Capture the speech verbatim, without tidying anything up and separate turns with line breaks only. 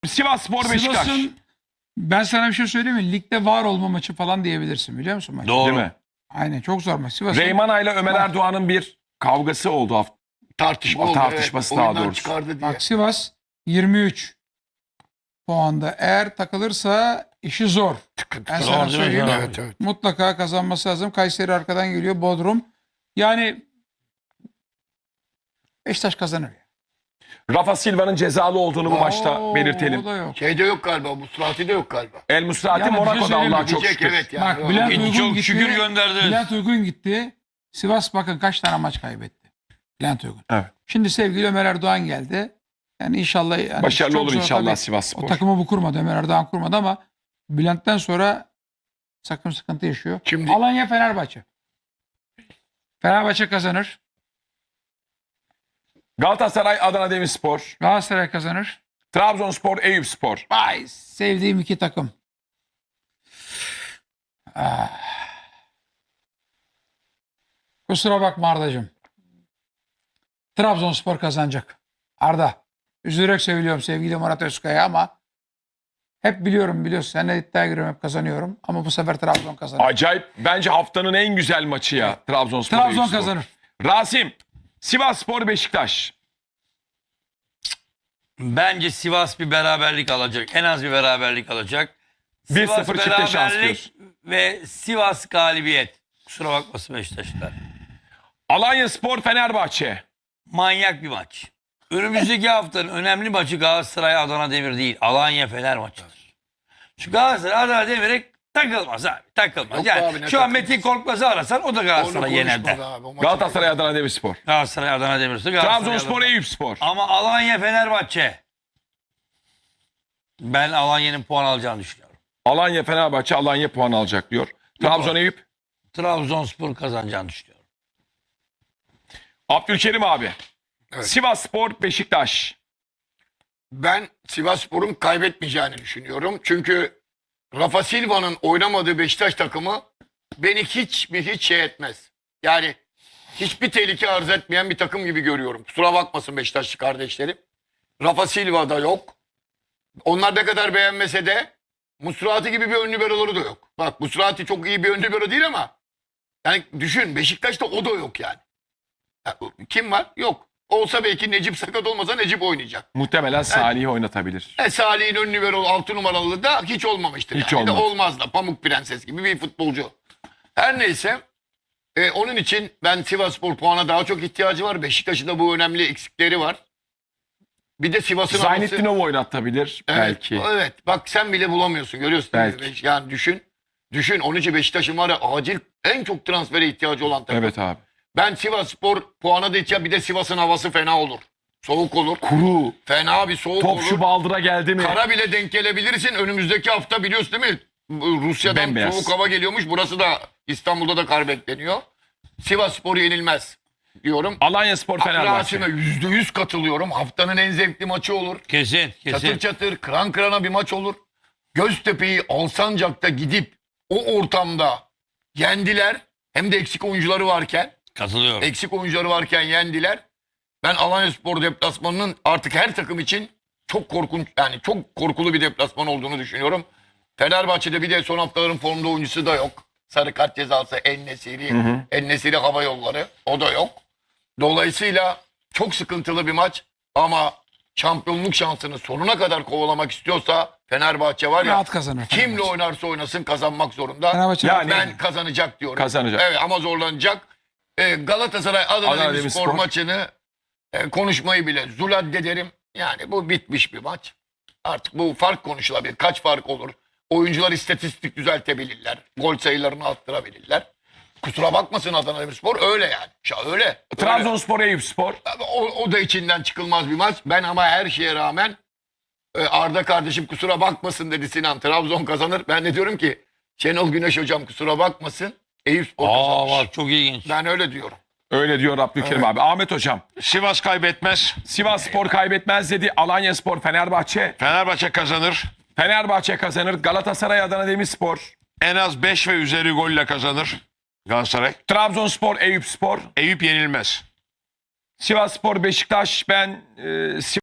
Sivasspor Beşiktaş.
Sivas'ın, ben sana bir şey söyleyeyim mi? Ligde var olma maçı falan diyebilirsin, biliyor musun maç?
Doğru.
Değil mi?
Aynen, çok zor maç. Sivas'ın
Reymana ile Ömer
Bak.
Erdoğan'ın bir kavgası oldu hafta.
Tartışma
O
oldu.
tartışması
evet.
daha
Oyundan
doğrusu.
çıkardı diye.
bak, Sivas yirmi üç puanda. Eğer takılırsa işi zor.
Sıkıntı
Ben
zor.
sana
değil mi?
söyleyeyim.
Zor.
Evet evet.
Mutlaka kazanması lazım. Kayseri arkadan geliyor. Bodrum. Yani Beşiktaş kazanır.
Rafa Silva'nın cezalı olduğunu bu maçta
Oo,
belirtelim.
o da yok.
Şeyde yok galiba. Musrati de yok galiba.
El Musrati
Yani bir şey
Monaco'da
söyleyeyim mi?
Allah'a çok
Diyecek,
şükür.
evet yani.
Bak,
Yok.
Bülent
Çok
Uygun gitti.
şükür gönderdiniz.
Bülent Uygun gitti. Sivas bakın kaç tane maç kaybetti. Bülent Uygun.
Evet.
Şimdi sevgili Ömer Erdoğan geldi. Yani inşallah yani
Başarılı
çok
olur
zor
inşallah
tabii.
Sivasspor.
O takımı bu kurmadı. Ömer Erdoğan kurmadı ama Bülent'ten sonra sakın sıkıntı yaşıyor.
Şimdi-
Alanya Fenerbahçe. Fenerbahçe kazanır.
Galatasaray Adana Demirspor.
Galatasaray kazanır.
Trabzonspor Eyüpspor.
Vay, sevdiğim iki takım. Ah. Kusura bakma Arda'cığım. Trabzonspor kazanacak. Arda. Üzülerek söylüyorum sevgili Murat Özkaya ama hep biliyorum, biliyorsun. Seninle iddiaya giriyorum, hep kazanıyorum. Ama bu sefer Trabzon kazanır.
Acayip. Bence haftanın en güzel maçı ya. Trabzonspor
Trabzon
Eyüpspor.
kazanır.
Rasim. Sivasspor Beşiktaş.
Bence Sivas bir beraberlik alacak. En az bir beraberlik alacak.
bir
Sivas
sıfır çifte şans
beraberlik
diyorsun.
ve Sivas galibiyet. Kusura bakmasın Beşiktaşlar.
Alanya Spor Fenerbahçe.
Manyak bir maç. Önümüzdeki haftanın önemli maçı Galatasaray Adana Demir değil. Alanya Fener maçıdır. Şu Galatasaray Adana Demir'e takılmaz abi. Takılmaz.
Yok
yani
abi, ne
şu an
takılmaz?
Metin Korkmaz'ı arasan o da
Onu
Galatasaray yener de.
konuşmadı abi. O maçı-
Galatasaray Adana Demirspor.
Galatasaray Adana Demir. Galatasaray
Trabzonspor
Adana-
Eyüpspor.
Ama Alanya Fenerbahçe. Ben Alanya'nın puan alacağını düşünüyorum.
Alanya Fenerbahçe Alanya puan alacak diyor. Trabzon Eyüp.
Trabzonspor kazanacağını düşünüyorum.
Abdülkerim abi.
Evet.
Sivasspor Beşiktaş.
Ben Sivasspor'un kaybetmeyeceğini düşünüyorum. Çünkü Rafa Silva'nın oynamadığı Beşiktaş takımı beni hiç bir hiç şey etmez. Yani hiçbir tehlike arz etmeyen bir takım gibi görüyorum. Kusura bakmasın Beşiktaşlı kardeşlerim. Rafa Silva da yok. Onlar ne kadar beğenmese de Musrati gibi bir ön liberoları da yok. Bak Musrati çok iyi bir ön libero değil ama yani düşün Beşiktaş'ta o da yok yani. Ya, kim var? Yok. Olsa belki Necip sakat olmasa Necip oynayacak.
Muhtemelen Salih'i oynatabilir.
E, Salih'in ön libero altı numaralı da hiç olmamıştır.
Hiç
yani. De
olmadı.
olmaz da Pamuk Prenses gibi bir futbolcu. Her neyse e, onun için ben Sivasspor puana daha çok ihtiyacı var. Beşiktaş'ın da bu önemli eksikleri var. Bir de Sivas'ın havası-
Zaynettinov oynatabilir
Evet,
belki.
Evet. Bak sen bile bulamıyorsun. Görüyorsun. değil mi?
Belki.
Yani düşün. Düşün. Onun için Beşiktaş'ın var ya acil en çok transfere ihtiyacı olan takım.
Evet abi.
Ben Sivasspor puana da ihtiyacı. Bir de Sivas'ın havası fena olur. Soğuk olur.
Kuru.
Fena bir soğuk
Top
olur.
şu baldıra geldi mi?
Kara bile denk gelebilirsin. Önümüzdeki hafta biliyorsun değil mi? Bu Rusya'dan
Bembeyaz.
soğuk hava geliyormuş. Burası da İstanbul'da da kar bekleniyor. Sivasspor yenilmez diyorum.
Alanya Spor Fenerbahçe.
Rasim'e yüzde yüz katılıyorum. Haftanın en zevkli maçı olur.
Kesin, kesin.
Çatır çatır, kıran kırana bir maç olur. Göztepe'yi Alsancak'ta gidip o ortamda yendiler. Hem de eksik oyuncuları varken,
Katılıyorum.
eksik oyuncuları varken yendiler. Ben Alanyaspor deplasmanının artık her takım için çok korkunç, yani çok korkulu bir deplasman olduğunu düşünüyorum. Fenerbahçe'de bir de son haftaların formda oyuncusu da yok. Sarı kart cezası En-Nesyri, En-Nesyri Hava Yolları o da yok. Dolayısıyla çok sıkıntılı bir maç ama şampiyonluk şansını sonuna kadar kovalamak istiyorsa Fenerbahçe var ya
Rahat kazanır.
kimle
Fenerbahçe.
oynarsa oynasın kazanmak zorunda.
Fenerbahçe
Yani-
Ben kazanacak diyorum.
Kazanacak.
Evet ama zorlanacak. Ee, Galatasaray Adana,
Adana
Demirspor
Demirspor.
maçını e, konuşmayı bile zuladde derim. Yani bu bitmiş bir maç. Artık bu fark konuşulabilir. Kaç fark olur? Oyuncular istatistik düzeltebilirler. Gol sayılarını arttırabilirler. Kusura bakmasın Adana Demirspor öyle yani. Ya öyle. öyle.
Trabzonspor Eyüpspor.
O, o da içinden çıkılmaz bir maç. Ben ama her şeye rağmen e, Arda kardeşim kusura bakmasın dedi Sinan. Trabzon kazanır. Ben de diyorum ki Şenol Güneş hocam kusura bakmasın. Eyüpspor
Aa
kazanır.
bak çok ilginç.
Ben öyle diyorum.
Öyle diyor Abdülkerim
Evet.
abi. Ahmet hocam.
Sivas kaybetmez.
Sivasspor kaybetmez dedi. Alanya Spor Fenerbahçe.
Fenerbahçe kazanır.
Fenerbahçe kazanır. Galatasaray Adana Demirspor.
En az beş ve üzeri golle kazanır Galatasaray.
Trabzonspor Eyüpspor.
Eyüp yenilmez.
Sivasspor Beşiktaş. Ben e,